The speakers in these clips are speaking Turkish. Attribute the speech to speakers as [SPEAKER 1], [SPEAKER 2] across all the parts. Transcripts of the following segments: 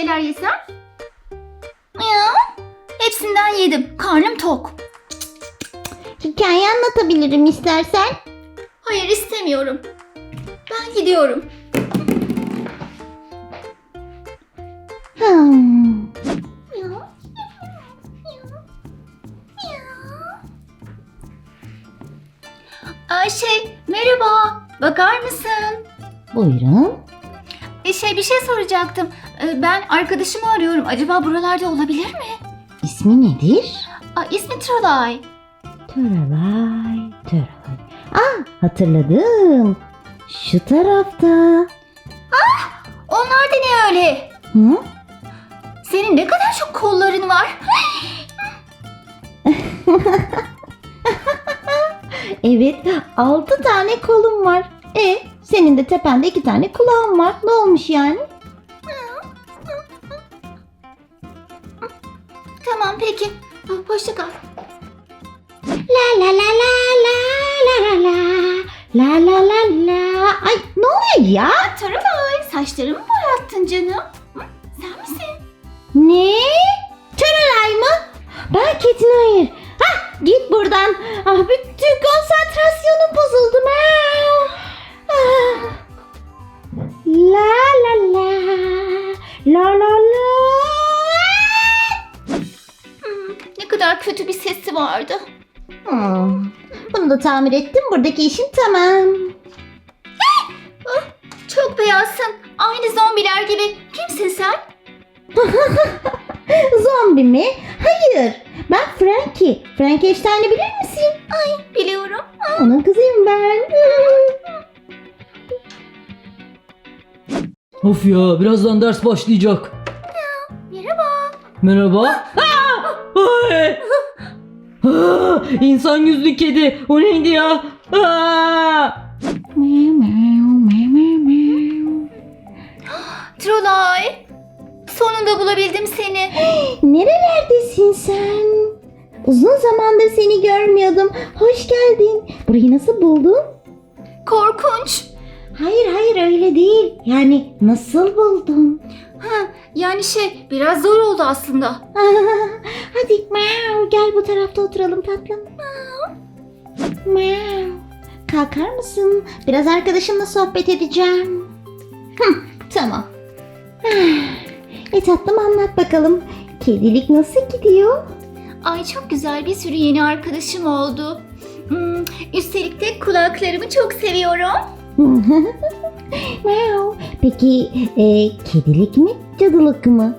[SPEAKER 1] şeyler yesem? Ya, hepsinden yedim. Karnım tok.
[SPEAKER 2] Hikaye anlatabilirim istersen.
[SPEAKER 1] Hayır, istemiyorum. Ben gidiyorum.
[SPEAKER 2] Hmm.
[SPEAKER 1] Merhaba. Bakar mısın?
[SPEAKER 2] Buyurun.
[SPEAKER 1] Bir şey soracaktım. Ben arkadaşımı arıyorum. Acaba buralarda olabilir mi?
[SPEAKER 2] İsmi nedir?
[SPEAKER 1] İsmi Trolay.
[SPEAKER 2] Törelay, Törelay. Hatırladım. Şu tarafta.
[SPEAKER 1] Onlar da ne öyle?
[SPEAKER 2] Hı?
[SPEAKER 1] Senin ne kadar çok kolların var.
[SPEAKER 2] Evet, 6 tane kolum var. Senin de tepende 2 tane kulağın var. Ne olmuş yani?
[SPEAKER 1] Tamam, peki. Hoşça kal.
[SPEAKER 2] La la la la la la la la la la la. Ay ne oluyor ya?
[SPEAKER 1] Trolay, saçlarımı boyattın canım. Sen misin?
[SPEAKER 2] Ne? Törelay mı? Ben Ketin hayır. Git buradan. Bütün konsantrasyonum bozuldu. La la la. La la la.
[SPEAKER 1] Ne kadar kötü bir sesi vardı.
[SPEAKER 2] Bunu da tamir ettim. Buradaki işim tamam.
[SPEAKER 1] Çok beyazsın. Aynı zombiler gibi. Kimsin sen?
[SPEAKER 2] Zombi mi? Hayır. Ben Frankie. Frankenstein'i bilir misin?
[SPEAKER 1] Biliyorum.
[SPEAKER 2] Onun kızıyım ben.
[SPEAKER 3] Of ya, birazdan ders başlayacak.
[SPEAKER 1] Merhaba.
[SPEAKER 3] Merhaba. Ay! İnsan yüzlü kedi. O neydi ya?
[SPEAKER 1] Trolay. Sonunda bulabildim seni.
[SPEAKER 2] Nerelerdesin sen? Uzun zamandır seni görmüyordum. Hoş geldin. Burayı nasıl buldun?
[SPEAKER 1] Korkunç.
[SPEAKER 2] Hayır öyle değil. Yani nasıl buldun?
[SPEAKER 1] Yani biraz zor oldu aslında.
[SPEAKER 2] Hadi gel bu tarafta oturalım tatlım. Kalkar mısın? Biraz arkadaşımla sohbet edeceğim. Tamam. Tatlım anlat bakalım. Kedilik nasıl gidiyor?
[SPEAKER 1] Ay, çok güzel, bir sürü yeni arkadaşım oldu. Üstelik de kulaklarımı çok seviyorum.
[SPEAKER 2] Peki kedilik mi cadılık mı?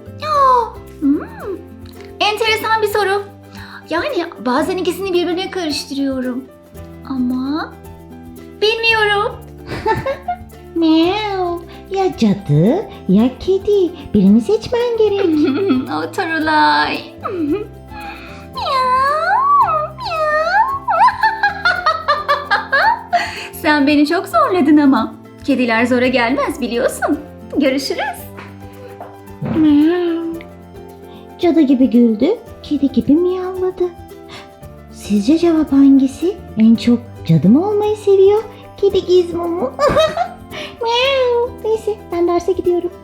[SPEAKER 1] Enteresan bir soru. Yani bazen ikisini birbirine karıştırıyorum. Ama bilmiyorum.
[SPEAKER 2] Ya cadı ya kedi. Birini seçmen gerek.
[SPEAKER 1] O Trolay. Sen beni çok zorladın ama. Kediler zora gelmez, biliyorsun. Görüşürüz.
[SPEAKER 2] Cadı gibi güldü, kedi gibi miyavladı. Sizce cevap hangisi? En çok cadı mı olmayı seviyor, kedi Gizmo mu? Neyse ben derse gidiyorum.